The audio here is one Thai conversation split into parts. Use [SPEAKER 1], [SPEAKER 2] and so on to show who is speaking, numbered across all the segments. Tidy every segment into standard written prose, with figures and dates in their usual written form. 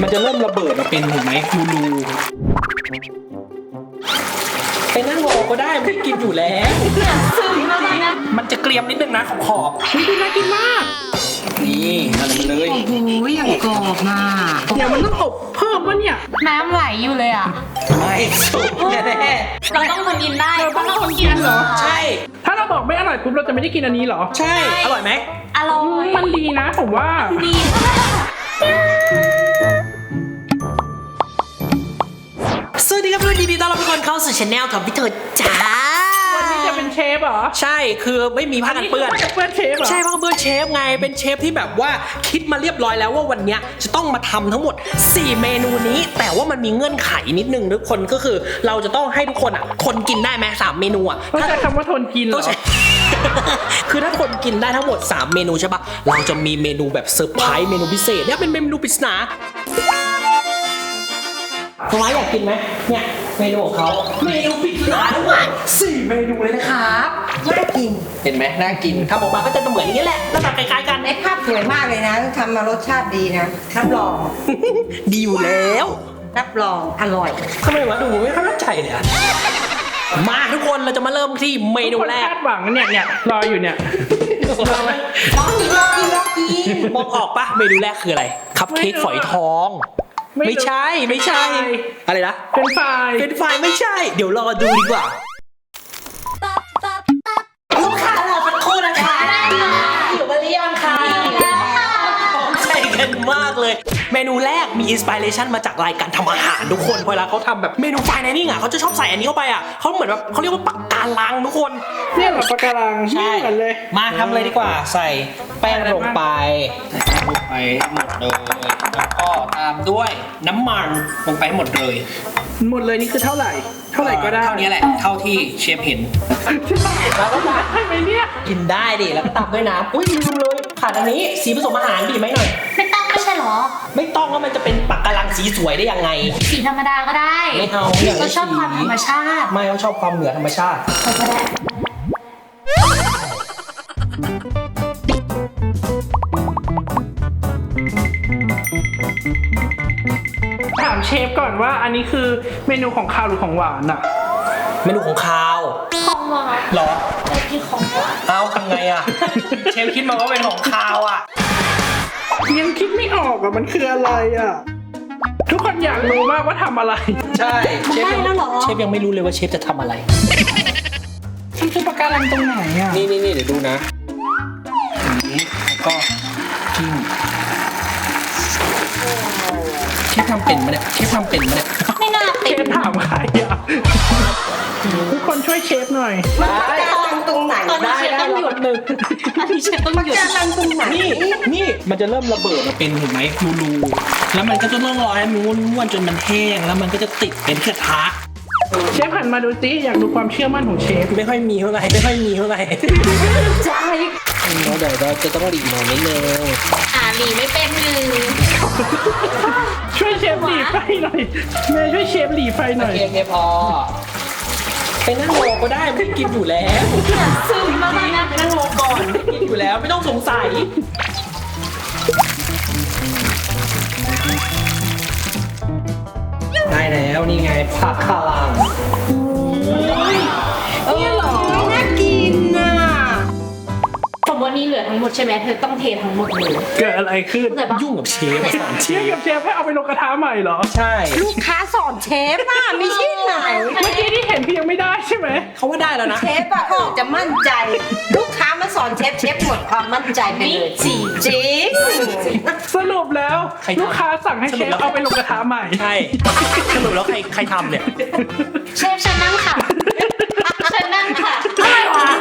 [SPEAKER 1] มันจะเริ่มระเบิดมาเป็นเห็นไหมรูไปนั่งรอก็ได้ไม่กินอยู่แล้วมันจะเกรียมนิดนึงนะขอบดูน่ากินมากนี่อะไรมาเลย
[SPEAKER 2] โอ้โหอย่างกรอบมาก
[SPEAKER 1] เดี๋ยวมันต้องอบเพิ่มวะเนี่ย
[SPEAKER 2] น้ำไหลอยู่เลยอ่ะ
[SPEAKER 1] ไม่สุกแน่
[SPEAKER 2] เราต้องคนกินได้
[SPEAKER 1] เราต้องคนกินเหรอใช่
[SPEAKER 3] ถ้าเราบอกไม่อร่อยปุ๊บเราจะไม่ได้กินอันนี้เหรอ
[SPEAKER 1] ใช่อร่อยไหม
[SPEAKER 2] อร่อย
[SPEAKER 3] มันดีนะผมว่า
[SPEAKER 2] ดี
[SPEAKER 1] สวัสดีครับเพื่อนดีๆต้อนรับทุกคนเข้าสู่ช anel ของพี่เถิดจ้า
[SPEAKER 3] วันนี้จะเป็นเชฟเหรอ
[SPEAKER 1] ใช่คือไม่มีผ้ากันเปื้อน
[SPEAKER 3] จะเปื้อนเชฟเหรอ
[SPEAKER 1] ใช่ผ้ากันเปื้อนเชฟไงเป็นเชฟที่แบบว่าคิดมาเรียบร้อยแล้วว่าวันเนี้ยจะต้องมาทำทั้งหมด 4 เมนูนี้ แต่ว่ามันมีเงื่อนไขนิดนึงทุกคนก็คือเราจะต้องให้ทุกคนคนกินได้ไหม3 เมนูอ่ะ
[SPEAKER 3] ต้องใช้คำว่าทนกินเหร
[SPEAKER 1] ต้อ
[SPEAKER 3] อง
[SPEAKER 1] ใช้ คือถ้าคนกินได้ทั้งหมด 3 เมนูใช่ปะเราจะมีเมนูแบบเซอร์ไพรส์เมนูพิเศษเนี่ยเป็นเมนูปริศนาน้องอยากกินไหมเนี่ยเมนูของเขาเมนูปริศนาทั้งหมด4 เมนูเลยนะครับน่ากินเห็นไหมน่ากินทำออกมาก็จะเหมือนอย่างนี้แหละหน้าตาคล้ายๆกัน
[SPEAKER 4] ในภาพสวยมากเลยนะทำมารสชาติดีนะรับรอง
[SPEAKER 1] ดีอยู่แล้ว
[SPEAKER 4] รับรองอร่อย
[SPEAKER 1] ทำไมวะดูไม่ค่อยมั่นใจเลยอะมาทุกคนเราจะมาเริ่มที่เมนูแรก
[SPEAKER 3] คาดหวังเนี่ยรออยู่เนี่ย
[SPEAKER 4] ลองกินลองกินลองกิน
[SPEAKER 1] มองออกปะเมนูแรกคืออะไรคัพเค้กฝอยทองไม่ใช่อะไรนะ
[SPEAKER 3] เป็นไฟ
[SPEAKER 1] เป็นไฟไม่ใช่ เดี๋ยวรอดูดีกว่าลูกค้ารอสักครู่นะคะอยู่กันหรือยังคะพร้อมใจกันมากเลย เมนูแรกมีอินสปิเรชันมาจากรายการทำอาหารทุกคนเวลาเขาทำแบบเมนูไฟในนี่อ่ะเขาจะชอบใส่อันนี้เข้าไปอ่ะเขาเหมือนแบบเขาเรียกว่าปักการังทุกคน
[SPEAKER 3] เนี่ยเหรอปะการัง
[SPEAKER 1] ใช่
[SPEAKER 3] เหมือนเลย
[SPEAKER 1] มาทำเลยดีกว่าใส่แป้งลงไปหมดเลยแล้วก็ตามด้วยน้ำมันลงไปให้หมดเลย
[SPEAKER 3] หมดเลยนี่คือเท่าไหร่ก็ได้
[SPEAKER 1] เท่านี้แหละเท่าที่เชฟเห็น
[SPEAKER 3] แล้วก็ได้ไหมเนี่ย
[SPEAKER 1] กินได้ดิแล้วก็ตามด้วยน้ำอุ้ยลืมเลยขาดอันนี้สีผสมอาหารบีบไหมหน่อย
[SPEAKER 2] ไม่ต้องไม่ใช่หรอ
[SPEAKER 1] ไม่ต้องแล้วมันจะเป็นปักการังสีสวยได้ยังไง
[SPEAKER 2] สีธรรมดาก็ได้
[SPEAKER 1] ไม่เอาอยากได้
[SPEAKER 2] เราชอบความ
[SPEAKER 1] สี
[SPEAKER 2] ธรรมชาติ
[SPEAKER 1] ไม่เขาชอบความเหนือธรรมชาติ
[SPEAKER 2] เราก็ได้
[SPEAKER 3] ถามเชฟก่อนว่าอันนี้คือเมนูของคาวหรือของหวานอ่ะ
[SPEAKER 1] เมนูของคาว
[SPEAKER 2] ของหวาน
[SPEAKER 1] เหรอ
[SPEAKER 2] เรากินของหวาน
[SPEAKER 1] เอาทำไงอ่ะ เชฟคิดมาว่าเป็นของคาวอ่ะ
[SPEAKER 3] ยังคิดไม่ออกอ่ะมันคืออะไรอ่ะ ทุกคนอยากรู้มากว่าทำอะไร
[SPEAKER 1] ใช่เชฟยังไม่รู้เลยว่าเชฟจะทำอะไร
[SPEAKER 3] มันคือปะการังตรงไหนอ่ะ
[SPEAKER 1] นี่เดี๋ยวดูนะอย่างนี้แล้วก็จิ้มเชฟทำเป็นไหมเนี่ยเชฟทำเป็นไหมเนี่ย
[SPEAKER 2] ไม่น่า
[SPEAKER 3] เช
[SPEAKER 2] เป็น
[SPEAKER 3] ฟถามใครอ่ะ ทุกคนช่วยเชฟหน่อย
[SPEAKER 4] มันปะการังตรงไหน
[SPEAKER 2] ตอนนี้เชฟต้องหยุด
[SPEAKER 1] หนึ่ง
[SPEAKER 2] ตอนนี้เชฟต้องหยุด
[SPEAKER 4] ปะการังตรงไหน
[SPEAKER 1] นี่มันจะเริ่มระเบิดมาเป็นเห็นไหมรูแล้วมันก็จะต้องรอให้มันม้วนๆจนมันแห้งแล้วมันก็จะติดเป็นกระทะ
[SPEAKER 3] เชฟหันมาดูสิอยากดูความเชื่อมั่นของเชฟ
[SPEAKER 1] ไม่ค่อยมีเท่าไหร่
[SPEAKER 2] ใจ
[SPEAKER 1] เราเดี๋ยวเราจะต้องหลีกหน่อยนิดนึง
[SPEAKER 2] หลีไม่เป็นหรือ
[SPEAKER 3] ช่วยเชฟหลีไฟหน่อยแม่ช่วยเชฟหลีไฟหน่อย
[SPEAKER 1] โอเคพอไปนั่งรอก็ได้ไม่กินอยู่แล้ว
[SPEAKER 2] ซึมมากนะ
[SPEAKER 1] ไปนั่งรอก่อนไม่กินอยู่แล้วไม่ต้องสงสัยได้แล้วนี่ไงผักคาลัง
[SPEAKER 4] เนี่ยเหรอน่ากินน่ะ
[SPEAKER 2] สมมติว่านี้เหลือทั้งหมดใช่ไหมเธอต้องเททั้งหมดเลย
[SPEAKER 3] เกิดอะไรขึ้น
[SPEAKER 2] เข้าใจปะ
[SPEAKER 1] ยุ่งกับเชฟสอนเช
[SPEAKER 3] เชฟ
[SPEAKER 1] ฟ
[SPEAKER 3] กับเชฟให้เอาไปลงกระทะใหม่เหรอ
[SPEAKER 1] ใช่
[SPEAKER 4] ลูกค้าสอนเชฟอ่ะไม่ใช่ไหน
[SPEAKER 3] เมื่อกี้ที่เห็นพี่ยังไม่ได้ใช่ไหม
[SPEAKER 1] เขาว่าได้แล้วนะ
[SPEAKER 4] เชฟอะเขาออกจะมั่นใจ ลูกค้ามาสอนเชฟหมดความมั่นใจไปเลยจริงจริง
[SPEAKER 3] สรุปแล้ว
[SPEAKER 1] ใครทำ
[SPEAKER 3] ลูกค้าสั่งให้เชฟเอาไปลงกระทะใหม่
[SPEAKER 1] ใช่สรุปแล้วใครทำเนี่ย
[SPEAKER 2] เชฟฉันนั่งค่ะฉันนั่งค่ะอะไรวะ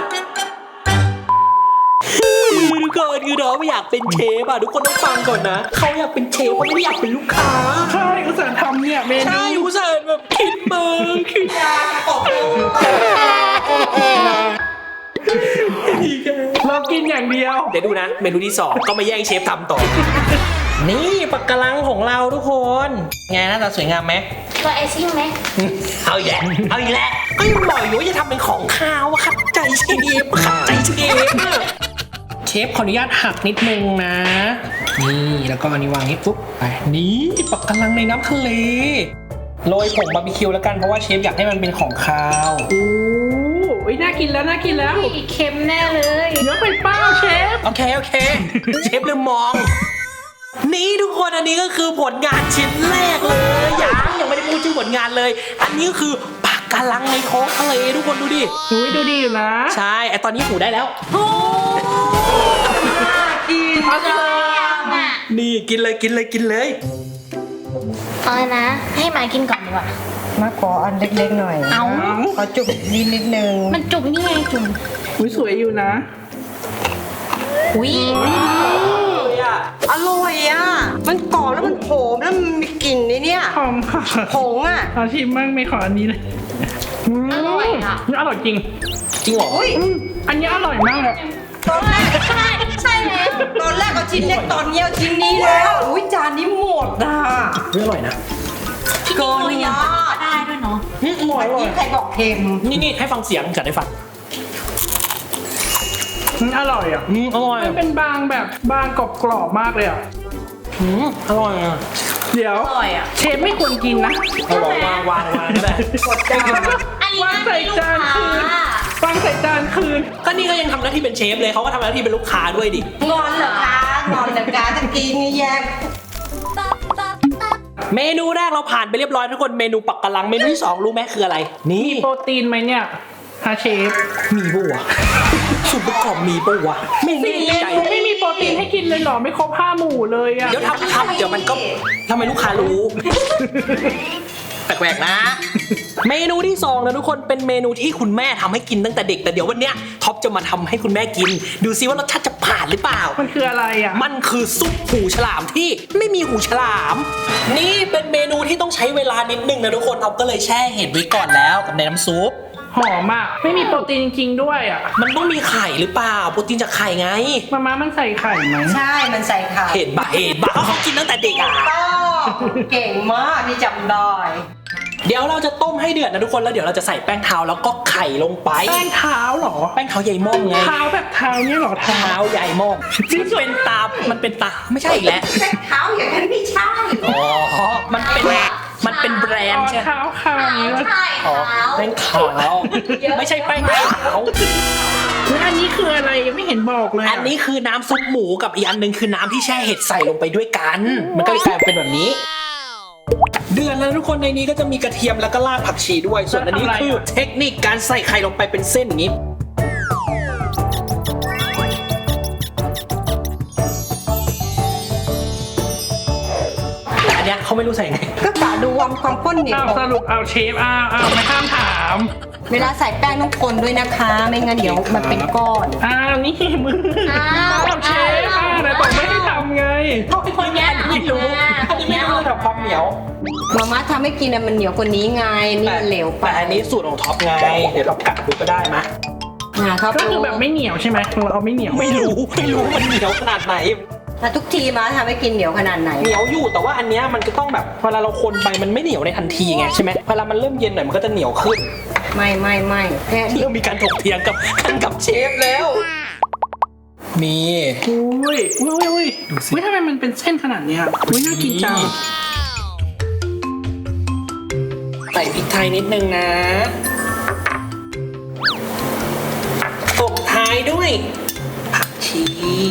[SPEAKER 1] ทุกคนคือน้องไม่อยากเป็นเชฟอ่ะทุกคนต้องฟังก่อนนะเขาอยากเป็นเชฟเขาไม่ได้อยากเป็นลูกค้า
[SPEAKER 3] ใช่อุตส่าห์ทำเนี่ยเมนู
[SPEAKER 1] ใช่อุตส่าห์แบบคิดมาคือ
[SPEAKER 3] เรากินอย่างเดียว
[SPEAKER 1] เดี๋ยวดูนะเมนูที่2ก็มาแย่งเชฟทำต่อ นี่ปักกะลังของเราทุกคนไงหน้าตาสวยงามไหม
[SPEAKER 2] ตัวไอซิ่งไหม
[SPEAKER 1] เอาอีกแล้วก็ยังบอกอยู่ว่าจะทำเป็นของข้าวอะขัดใจเชฟขัดใจเชฟอะเชฟขออนุญาตหักนิดนึงนะนี่แล้วก็อันนี้วางนี้ปุ๊บไปนี่ปักกะลังในน้ำทะเลโรยผงบาร์บีคิวแล้วกันเพราะว่าเชฟอยากให้มันเป็นของคาว
[SPEAKER 3] โอ้ยน่ากินแล้วน่ากินแล้ว
[SPEAKER 2] อีกเค็มแน่เลย
[SPEAKER 3] เยอะไปเป้าเชฟ
[SPEAKER 1] โอเคเชฟลืมมอง นี่ทุกคนอันนี้ก็คือผลงานชิ้นแรกเลยยังไม่ได้พูดชื่อผลงานเลย อันนี้ก็คือปักกะลังในท้องทะเลทุกคนดูดิ
[SPEAKER 3] อุ้ยดูดีอยู่นะ
[SPEAKER 1] ใช่ไอตอนนี้หูได้แล้ว
[SPEAKER 3] กินเอาเลย
[SPEAKER 1] นี่กินเลย
[SPEAKER 2] เอาเลยนะ ให้หมากินก่อนดีกว่า
[SPEAKER 4] มาขออันเล็กๆหน่อย
[SPEAKER 2] เอา
[SPEAKER 4] ขอจุกนิดนึง
[SPEAKER 2] มันจุกนี่ไงจุก
[SPEAKER 3] อุ้ยสวยอยู่นะ
[SPEAKER 2] อุ้ย
[SPEAKER 4] อร่อยอ่ะมันกรอบแล้วมันโหมแล้วมันมีกลิ่นนี่เนี่ย
[SPEAKER 3] หอมค่ะ
[SPEAKER 4] ผงอ่ะ
[SPEAKER 3] ขอชิมบ้างไม่ขออันนี้เลย
[SPEAKER 2] อร่อยอ่ะ
[SPEAKER 3] อร่อยจริง
[SPEAKER 1] จริงเหรอ
[SPEAKER 4] อุ้ย
[SPEAKER 3] อันนี้อร่อยมากเลย
[SPEAKER 4] ตอนแรก
[SPEAKER 2] ใช่แล้ว
[SPEAKER 4] ตอนแรกเอาชิ้นเล็กตอนนี้เอาชิ้นนี้แล้วอุ้ยจานนี้หมดอ่ะ
[SPEAKER 1] ไม่อร่อยนะ
[SPEAKER 4] เกินยอด
[SPEAKER 2] ได้ด้วยเนาะ
[SPEAKER 1] อร่อย
[SPEAKER 4] นี่ใครบอกเค็ม
[SPEAKER 1] นี่ให้ฟังเสียงจัดให้ฟัง
[SPEAKER 3] อร่อยอ่ะ
[SPEAKER 1] อร่อย
[SPEAKER 3] มันเป็นบางแบบบางกรอบๆมากเลยอ่ะ
[SPEAKER 1] อร่อยอ่ะ
[SPEAKER 3] เดี๋ยว
[SPEAKER 2] อร่อยอ่ะ
[SPEAKER 3] เชฟไม่ควรกินนะ
[SPEAKER 1] เอาวางก็ได้
[SPEAKER 4] หมดจาน
[SPEAKER 2] อันนี้
[SPEAKER 3] วางใส่จานคืน วางใส่จานคืน
[SPEAKER 1] ก็นี่ก็ยังทำหน้าที่เป็นเชฟเลยเขาก็ทำหน้าที่เป็นลูกค้าด้วยดิ
[SPEAKER 4] งอนเหรอคะงอนเหรอคะตะกี้นี่แย่
[SPEAKER 1] เมนูแรกเราผ่านไปเรียบร้อยทุกคนเมนูปักกะลังเมนูที่ 2รู้ไหมคืออะไร นี่
[SPEAKER 3] โปรตีนไหมเนี่ยฮะเชฟ
[SPEAKER 1] มีปะวะส่วนประกอบมีปะวะไม่แน่ใจ
[SPEAKER 3] ไม่มีโปรตีนให้กินเลยเหรอไม่ครบ5 หมู่เลยอ่ะ
[SPEAKER 1] เดี๋ยวทำเดี๋ยวมันก็ทำไมลูกค้ารู้ แปลกๆนะ เมนูที่2นะทุกคนเป็นเมนูที่คุณแม่ทำให้กินตั้งแต่เด็กแต่เดี๋ยววันเนี้ยท็อปจะมาทำให้คุณแม่กิน ดูซิว่ารสชาติจะผ่านหรือเปล่า
[SPEAKER 3] มันคืออะไรอ่ะ
[SPEAKER 1] มันคือซุปหูฉลามที่ไม่มีหูฉลาม นี่เป็นเมนูที่ต้องใช้เวลานิดนึงนะทุกคนท็อปก็เลยแช่เห็ดไว้ก่อนแล้วกับในน้ำซุป
[SPEAKER 3] หอมอ่ะไม่มีโปรตีนจริงๆด้วยอ่ะ
[SPEAKER 1] มันต้องมีไข่หรือเปล่าโปรตีนจากไข่ไง
[SPEAKER 3] มามันใส่ไข่ไหม
[SPEAKER 4] ใช่มันใส่ไข่
[SPEAKER 1] เห็ดบะเขากินตั้งแต่เด็กอ่ะ
[SPEAKER 4] เก่งมากนี่จำได้
[SPEAKER 1] เดี๋ยวเราจะต้มให้เดือดนะทุกคนแล้วเดี๋ยวเราจะใส่แป้งเท้าแล้วก็ไข่ลงไป
[SPEAKER 3] แป้งเท้าเหรอ
[SPEAKER 1] แป้งเท้าใหญ่ม่องไง
[SPEAKER 3] เท้าแบบเท้าเนี่ยเหรอเท้า
[SPEAKER 1] เท้าใหญ่ม่องซึ่งเป็นตามันเป็นตาไม่ใช่อีกแล้ว
[SPEAKER 4] แป้งเท้าอย่างนั้นไม่ใช่
[SPEAKER 1] อ๋อมันเป็นแบรนด์ใช่ไหม
[SPEAKER 3] เท้าคางนี้วะ
[SPEAKER 2] ใช่
[SPEAKER 1] อ๋อ
[SPEAKER 2] ขาว
[SPEAKER 1] แป้งขาวไม่ใช่แป้งขาว
[SPEAKER 3] แล้วอันนี้คืออะไรยังไม่เห็นบอกเลยะ
[SPEAKER 1] อันนี้คือน้ำซุปหมูกับอีกอันหนึงคือน้ำที่แช่เห็ดใส่ลงไปด้วยกัน มันก็เลยกลายเป็นแบบนี้ เดือนแล้วทุกคนในนี้ก็จะมีกระเทียมแล้วก็รากผักชีด้วย ส่วนอันนี้คือเทคนิคการใส่ไข่ลงไปเป็นเส้นอย่างนี้ แต่อันเนี้ยเขาไม่รู้ใส่ไง
[SPEAKER 4] ก็กะดูความข้นเหนียว
[SPEAKER 3] อ้าวสรุปเอาเชฟอ้าวไม่ห้ามถาม
[SPEAKER 4] เวลาใส่แป้งต้องคนด้วยนะคะ ไม่งั้นเดี๋ยวมันเป็นก้อน
[SPEAKER 3] อ้าวนี่มืออ้าวเชฟแต่บอกไม่ให้ทำไง
[SPEAKER 2] คนแย่
[SPEAKER 1] ไม่รู้อันนี้ไม่รู้ระดับความเหนียว
[SPEAKER 4] มาม่าทำให้กินอะมันเหนียวกว่านี้ไงนี่มันเหลวไป
[SPEAKER 1] แต่อันนี้สูตรของท็อปไง เดี๋ยวเรากัดดูก็ได้มะ
[SPEAKER 4] ครับ
[SPEAKER 3] ก็คือแบบไม่เหนียวใช่ไหมเราเอาไม่เหนียว
[SPEAKER 1] ไม่รู้มันเหนียวขนาดไหน
[SPEAKER 4] แต่ทุกทีมาทำให้กินเหนียวขนาดไหน
[SPEAKER 1] เหนียวอยู่แต่ว่าอันเนี้ยมันก็ต้องแบบเวลาเราคนไปมันไม่เหนียวในทันทีไงใช่ไหมเวลามันเริ่มเย็นหน่อยมันก็จะเหนียวขึ้น
[SPEAKER 4] ไม่แค่นี้
[SPEAKER 1] เริ่มมีการถกเถียงกับเชฟแล้วนี่
[SPEAKER 3] อุ้ยทำไมมันเป็นเส้นขนาดเนี้ยอุ้ยน่ากินจัง
[SPEAKER 1] ใส่พริกไทยนิดนึงนะตบท้ายด้วยผักชี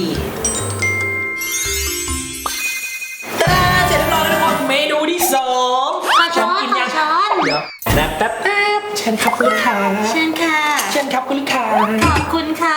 [SPEAKER 1] ตาเสร็จแล้วทุกคนเมนูที่2
[SPEAKER 2] ช้อน
[SPEAKER 1] กินยัง
[SPEAKER 2] ช้อน
[SPEAKER 1] เดี๋ยวแป๊บเชิญครับคุณลูกค้า
[SPEAKER 2] เชิญค่ะ
[SPEAKER 1] เชิญครับคุณลูกค้า
[SPEAKER 2] ขอบคุณค่ะ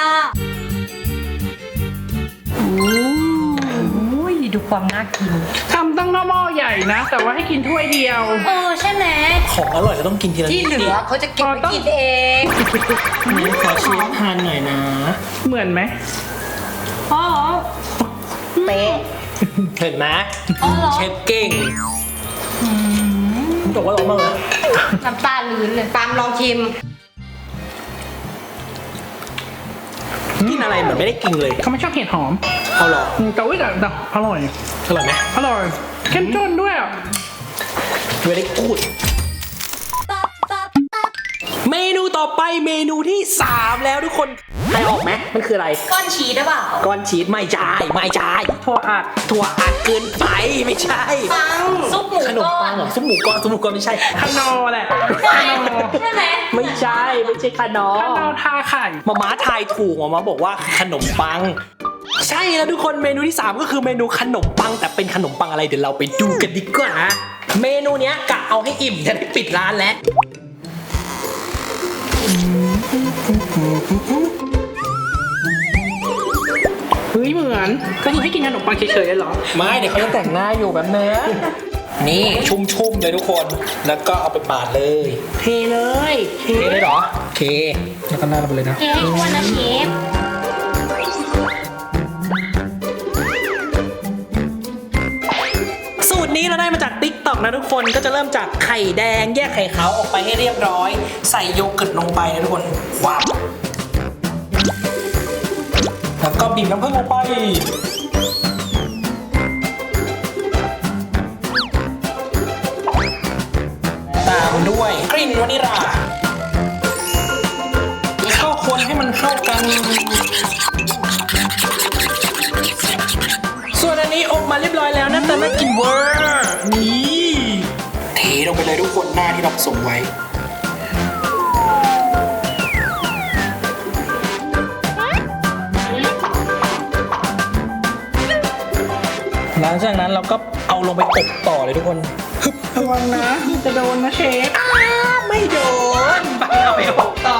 [SPEAKER 4] อุ้ยดูความน่ากิน
[SPEAKER 3] ทำตั้งหม้อใหญ่นะ แต่ว่าให้กินถ้วยเดียว
[SPEAKER 2] ใช่ไหม
[SPEAKER 1] ของอร่อยก็ต้องกินทีละ
[SPEAKER 4] ที่
[SPEAKER 1] นิด
[SPEAKER 4] เหลือเขาจะเก็บไปกินเอง
[SPEAKER 1] นี่ขอเชฟทานหน่อยนะ
[SPEAKER 3] เหมือนไหม
[SPEAKER 2] อ๋อ
[SPEAKER 4] เป๊ะ
[SPEAKER 1] เห็นไหม
[SPEAKER 2] อ๋อเหรอ
[SPEAKER 1] เชฟเก่งผมบอกว่าอร่อยมากเลย
[SPEAKER 2] น้ำตาลื้นเลย
[SPEAKER 4] ปาล์มลองชิม
[SPEAKER 1] กินอะไรเหมือนไม่ได้กินเลย
[SPEAKER 3] เขาไม่ชอบเห็ดหอม
[SPEAKER 1] เอาเหรอ
[SPEAKER 3] แต่ว่าแต่อร่อย
[SPEAKER 1] อร่อยไหม
[SPEAKER 3] อร่อยเข้มข้นด้วยอ่ะ
[SPEAKER 1] ไม่ได้กูดเมนูต่อไปเมนูที่ 3 แล้วทุกคนใครออกไหมมันคืออะไร
[SPEAKER 2] ก้อนชีสหรือเปล่า
[SPEAKER 1] ก้อนชีสไม่ใช่ไม่ใช่
[SPEAKER 3] ถั่วอัด
[SPEAKER 1] ถั่วอัดเกินไปไม่ใช่
[SPEAKER 4] ปัง
[SPEAKER 2] ซุปหมู
[SPEAKER 1] ขนม
[SPEAKER 2] ก้อ
[SPEAKER 1] ปั
[SPEAKER 2] น
[SPEAKER 1] งเหรอซุปหมูก้อนซุปหมูก้อนไม่ใช่
[SPEAKER 3] ขนอแหละ
[SPEAKER 2] ใช่ใช่ไหม
[SPEAKER 1] ไม่ใช่ไม่ใช่ขนม
[SPEAKER 3] ขนอทาไข่
[SPEAKER 1] มาม่าทายถูกมาบอกว่าขนมปัง ใช่แล้วทุกคนเมนูที่ 3 ก็คือเมนูขนมปังแต่เป็นขนมปังอะไรเดี๋ยวเราไปดูกันดีกว่าเมนูเนี้ยกะเอาให้อิ่มจะได้ปิดร้านแล้ว
[SPEAKER 3] เฮ้ยเหมือนก็คือให้กินขนมปังเฉยๆเลยเหรอ
[SPEAKER 1] ไม่เดี๋ยวเขาจะแต่งหน้าอยู่แบบนี้นี่ชุ่มๆเลยทุกคนแล้วก็เอาไปปาดเลย
[SPEAKER 3] เทเลยเท
[SPEAKER 1] เทเลยเหรอโอเคแล้วก็หน้าลงไปเลยนะ
[SPEAKER 2] เค้กอ้วนนะเชฟ
[SPEAKER 1] สูตรนี้เราได้มาจาก TikTok นะทุกคนก็จะเริ่มจากไข่แดงแยกไข่ขาวออกไปให้เรียบร้อย ใส่โยเกิร์ตลงไปนะทุกคนว้าวแล้วก็บีบน้ำผึ้งลงไปตามด้วยกลิ่นวานิลลาเข้าคนให้มันเข้ากัน ส่วนอันนี้อบมาเรียบร้อยแล้วหน้าตาน่ากินเวอร์นี่เทลงไปเลยทุกคนหน้าที่เราผสมไว้ หลังจากนั้นเราก็เอาลงไปอบต่อเลยทุกคนฮึบ
[SPEAKER 3] ระวังนะจะโดนนะเชฟ
[SPEAKER 1] ไม่โดนไปเอาไปอบต่อ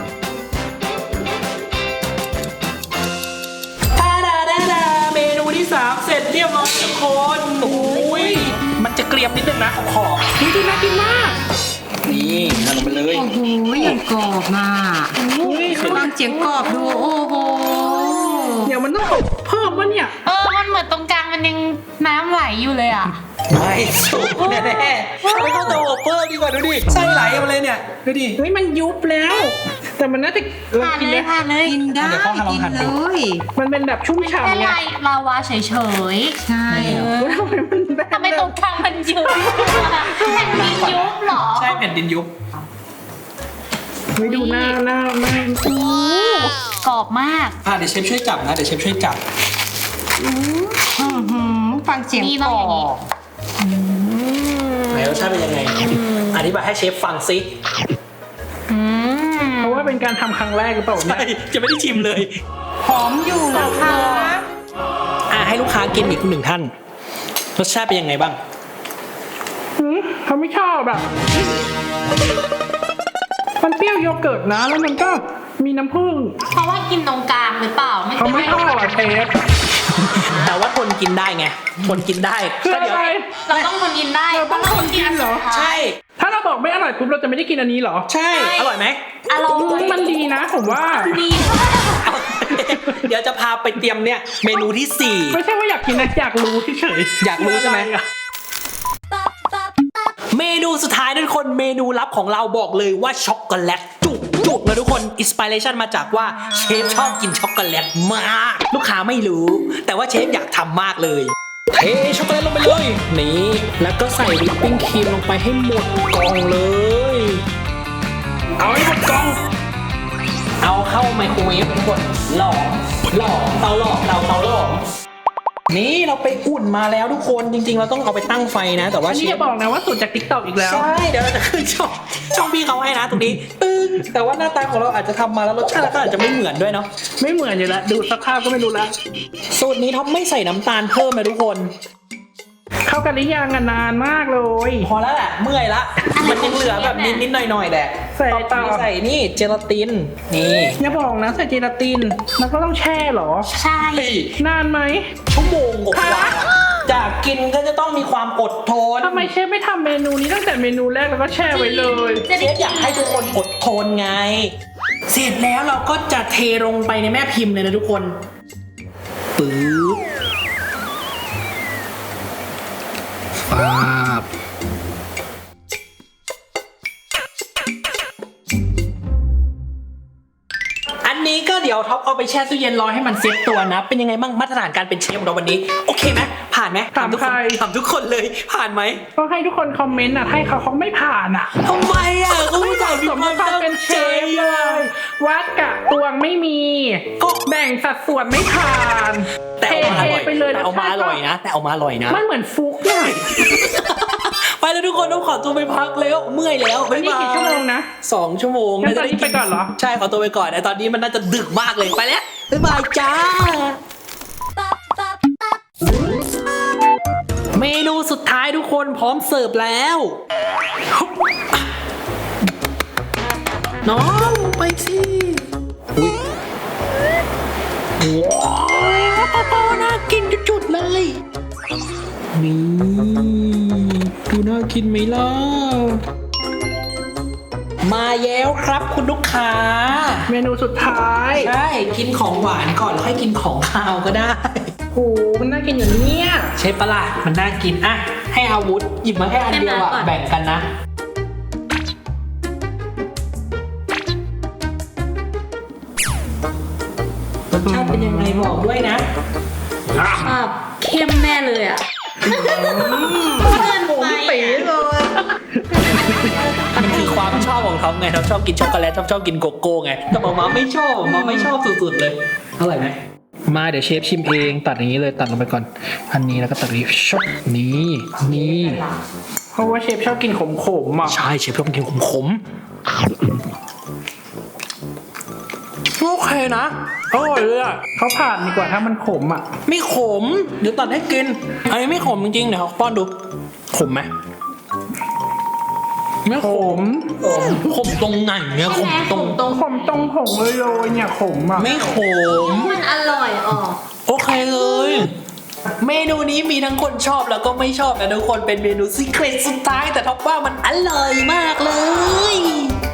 [SPEAKER 1] ทาดาดาดาเมนูที่ 3 เสร็จเรียบร้อยทุกคนโอ้ยมันจะเกรียมนิดนึงนะขอบ
[SPEAKER 3] นี่ดูน่ากินมาก
[SPEAKER 1] นี่ทำลงไปเลย
[SPEAKER 4] โอ้โหอย่างกรอบมา
[SPEAKER 3] อุ้ย
[SPEAKER 4] ฟังเสียงกรอบดูโอ้โห
[SPEAKER 3] เดี๋ยวมันต้องอบเพิ่มวะเนี่ย
[SPEAKER 2] มันเหมือนตรงกลางมันยังน้ำไหลอยู่เลยอ่ะ
[SPEAKER 1] ไม่สุกแน่ๆไม่เข้าเตาอบเพิ่มดีกว่าดูดิไส้ไหลมาเลยเนี่ยดูดิ
[SPEAKER 3] เฮ้ยมันยุบแล้ว แต่มันน่าจะเรา
[SPEAKER 2] ผ่าน
[SPEAKER 3] กิน
[SPEAKER 2] เล
[SPEAKER 3] ได้
[SPEAKER 2] ยผ่านเลย
[SPEAKER 4] กินได้
[SPEAKER 1] เดี๋ยวเขาให้ลอง
[SPEAKER 4] กิน
[SPEAKER 1] หั่น
[SPEAKER 4] เล
[SPEAKER 1] ดู
[SPEAKER 4] ย
[SPEAKER 3] มันเป็นแบบชุ่ม
[SPEAKER 2] แค่
[SPEAKER 3] ฉ่ำไง
[SPEAKER 2] ลาวาเฉย
[SPEAKER 4] ใช่
[SPEAKER 3] ทำไมมันแบบ
[SPEAKER 2] ๆทำไมตรงกลางมันยุบแผ่นดินยุบเหรอ
[SPEAKER 1] ใช่แผ่นดินยุบ
[SPEAKER 3] ไม่ดูหน้า
[SPEAKER 2] โอ้กรอบมาก
[SPEAKER 1] เดี๋ยวเชฟช่วยจับนะเดี๋ยวเชฟช่วยจับ
[SPEAKER 4] ฟังเสียง
[SPEAKER 2] นี่
[SPEAKER 4] ก
[SPEAKER 2] ต้
[SPEAKER 4] ร
[SPEAKER 2] อง
[SPEAKER 4] อ
[SPEAKER 2] อย่างนี้
[SPEAKER 4] บ
[SPEAKER 1] ไหนรสชาติเป็นยังไงอธิบายให้เชฟฟังซิ
[SPEAKER 3] เพราะว่าเป็นการทำครั้งแรกหรือเปล่าเนี่ย
[SPEAKER 1] ใช่จะไม่ได้ชิมเลย
[SPEAKER 4] หอมอยู่นะคะ
[SPEAKER 1] ให้ลูกค้ากินอีก1 ท่านรสชาติเป็นยังไงบ้าง
[SPEAKER 3] เขาไม่ชอบแบบมันเปรี้ยวโยเกิร์ตนะแล้วมันก็มีน้ำผึ้ง
[SPEAKER 2] เพราะว่ากินตรงกลางหรือเปล่า
[SPEAKER 3] เขาไม่ชอบอะเชฟ
[SPEAKER 1] แต่ว่าทนกินได้ไงทนกินได้
[SPEAKER 3] คือ
[SPEAKER 1] ก็
[SPEAKER 3] อะ
[SPEAKER 1] เดี๋ยว
[SPEAKER 3] ไร
[SPEAKER 2] เราต้องทนกินได้
[SPEAKER 3] เราต้องทนกินเหรอ
[SPEAKER 1] ใช่
[SPEAKER 3] ถ้าเราบอกไม่อร่อยปุ๊บเราจะไม่ได้กินอันนี้เหรอ
[SPEAKER 1] ใช่อร่อยไหม
[SPEAKER 2] อร่อย
[SPEAKER 3] มันดีนะผมว่า
[SPEAKER 2] ดี
[SPEAKER 1] เดี๋ยวจะพาไปเตรียมเนี่ยเมนูที่
[SPEAKER 3] ไม่ใช่ว่าอยากกินนะอยากรู้เฉย
[SPEAKER 1] 4 อยากรู้ใช่ไหม
[SPEAKER 3] อะ
[SPEAKER 1] เมนูสุดท้ายนะทุกคนเมนูลับของเราบอกเลยว่าช็อกโกแลตจุกนะทุกคนอินสปิเรชันมาจากว่าเชฟชอบกินช็อกโกแลตมาก ลูกค้าไม่รู้ แต่ว่าเชฟอยากทำมากเลยเทช็อกโกแลตลงไปเลยนี่แล้วก็ใส่วิปปิ้งครีมลงไปให้หมดกล่องเลย เอาให้หมดกล่อง เอาเข้าไมโครเวฟทุกคนหลอมเตาหลอมเตาหลอมนี่เราไปอุ่นมาแล้วทุกคนจริงๆเราต้องเอาไปตั้งไฟนะ แต่ว่า
[SPEAKER 3] อัน
[SPEAKER 1] เช
[SPEAKER 3] นี้
[SPEAKER 1] ฟ
[SPEAKER 3] จะบอกนะว่าสูตรจากติ๊กต็อกอีกแล้ว
[SPEAKER 1] ใช่เดี๋ยวเราจะขึ้นช่องพี่เขาให้นะตรงนี้ตึ้งแต่ว่าหน้าตาของเราอาจจะทำมาแล้วรสชาติก็อาจจะไม่เหมือนด้วยเนาะ
[SPEAKER 3] ไม่เหมือนอยู่แล้วดูสภาพก็ไม่รู้แล้ว
[SPEAKER 1] สูตรนี้ท็อปไม่ใส่น้ำตาลเพิ่มนะทุกคน
[SPEAKER 3] เข้ากันหรือยังอะนานมากเลย
[SPEAKER 1] พอแล้วแหละเมื่อยละมันยังเหลือแบบนิดๆหน่อยๆแหละ
[SPEAKER 3] ใส่
[SPEAKER 1] ต่อ
[SPEAKER 3] ต่อ
[SPEAKER 1] ไปใส่นี่เจลาตินนี่
[SPEAKER 3] อย่าบอกนะใส่เจลาตินแล้วก็ต้องแช่เหรอ
[SPEAKER 2] ใช่
[SPEAKER 1] เฮ้ย
[SPEAKER 3] นานไหม
[SPEAKER 1] ชั่วโมงกว่าจากกินก็จะต้องมีความอดทน
[SPEAKER 3] ทำไมเชฟไม่ทำเมนูนี้ตั้งแต่เมนูแรกแล้วก็แช่ไว้เลย
[SPEAKER 2] จะ
[SPEAKER 1] เช
[SPEAKER 2] ได้
[SPEAKER 1] ฟอยากให้ทุกคนอดทนไง เสร็จแล้วเราก็จะเทลงไปในแม่พิมพ์เลยนะทุกคนปึ๊บป๊าบอันนี้ก็เดี๋ยวยวท็อปเอาไปแช่ตู้เย็นรอให้มันเซ็ตตัวนะ เป็นยังไงบ้างมาตรฐานการเป็นเชฟของเราวันนี้โอเคไหมผ่านไหม
[SPEAKER 3] ถาม
[SPEAKER 1] ทุกคน
[SPEAKER 3] ใคร
[SPEAKER 1] ถามทุกคนเลยผ่านไหม
[SPEAKER 3] ก็ให้ทุกคนคอมเมนต์อ่ะให้เขาไม่ผ่านอ่ะ
[SPEAKER 1] ทำไมอ่ะเขา
[SPEAKER 3] ไม่
[SPEAKER 1] ไม่
[SPEAKER 3] เห
[SPEAKER 1] จ่าย
[SPEAKER 3] มาะสมกับความเป็นเชฟเลย วัดกะตวงไม่มี
[SPEAKER 1] ก็
[SPEAKER 3] แบ่งสัดส่วนไม่ผ่าน
[SPEAKER 1] แต่เอามาอร่อย
[SPEAKER 3] ไปเลย
[SPEAKER 1] แต่เอามาอร่อยนะแต่เอามาอร่อยนะ
[SPEAKER 3] มันเหมือนฟุกเนี่ย
[SPEAKER 1] ไปแล้วทุกคนต้องขอตัวไปพักแล้วเมื่อยแล้วบ๊าย
[SPEAKER 3] นี่
[SPEAKER 1] บาย
[SPEAKER 3] กี่ชั่วโมงนะ
[SPEAKER 1] 2 ชั่วโมง
[SPEAKER 3] งั้นตอนนี้ไปก่อนเหรอ
[SPEAKER 1] ใช่ขอตัวไปก่อนแต่ตอนนี้มันน่าจะดึกมากเลยไปแล้วบ๊ายบายจ้า เมนูสุดท้ายทุกคนพร้อมเสิร์ฟแล้วน้องไปสิอุ้ยว้าวน่ากินจุดๆเลยนี่ดูน่ากินไหมล่ะมาแล้วครับคุณลูกค้า
[SPEAKER 3] เมนูสุดท้าย
[SPEAKER 1] ใช่กินของหวานก่อนแล้วค่อยกินของคาวก็ได้
[SPEAKER 3] โหมันน่ากินอย่างเนี้ย
[SPEAKER 1] ใช่ปะล่ะมันน่ากินอ่ะให้อาวุธหยิบมาแค่อันเดียวอะแบ่งกันนะรสชาติเป็นยังไงบอกด้วยนะ
[SPEAKER 2] เข้มแน่เลยอ่ะเกินไป
[SPEAKER 3] ปีเลย
[SPEAKER 1] มันคือความชอบของเขาไงเขาชอบกินช็อกโกแลตชอบกินโกโก้ไงแต่หมาไม่ชอบหมาไม่ชอบสุดๆเลยอร่อยไหมมาเดี๋ยวเชฟชิมเองตัดอย่างนี้เลยตัดลงไปก่อนอันนี้แล้วก็ตัดนี้ช็อปนี่
[SPEAKER 3] เพราะว่าเชฟชอบกินขมๆอ่ะ
[SPEAKER 1] ใช่เชฟชอบกินขมโอเคนะอร่อยเลยอ่ะ
[SPEAKER 3] เขาผ่านดีกว่าถ้ามันขมอ่ะ
[SPEAKER 1] ไม่ขมเดี๋ยวตัดให้กินอันนี้ไม่ขมจริงๆเดี๋ยวป้อนดูขมไหมไม่ขมขมตรงไหนเนี่ยขมตรง
[SPEAKER 3] ขมตรงผงเลยโรยเนี่ยขมอ่ะ
[SPEAKER 1] ไม่ขม
[SPEAKER 2] มันอร่อยออก
[SPEAKER 1] โอเคเลย เมนูนี้มีทั้งคนชอบแล้วก็ไม่ชอบนะทุกคนเป็นเมนูซีเครตสุดท้ายแต่ท็อปว่ามันอร่อยมากเลย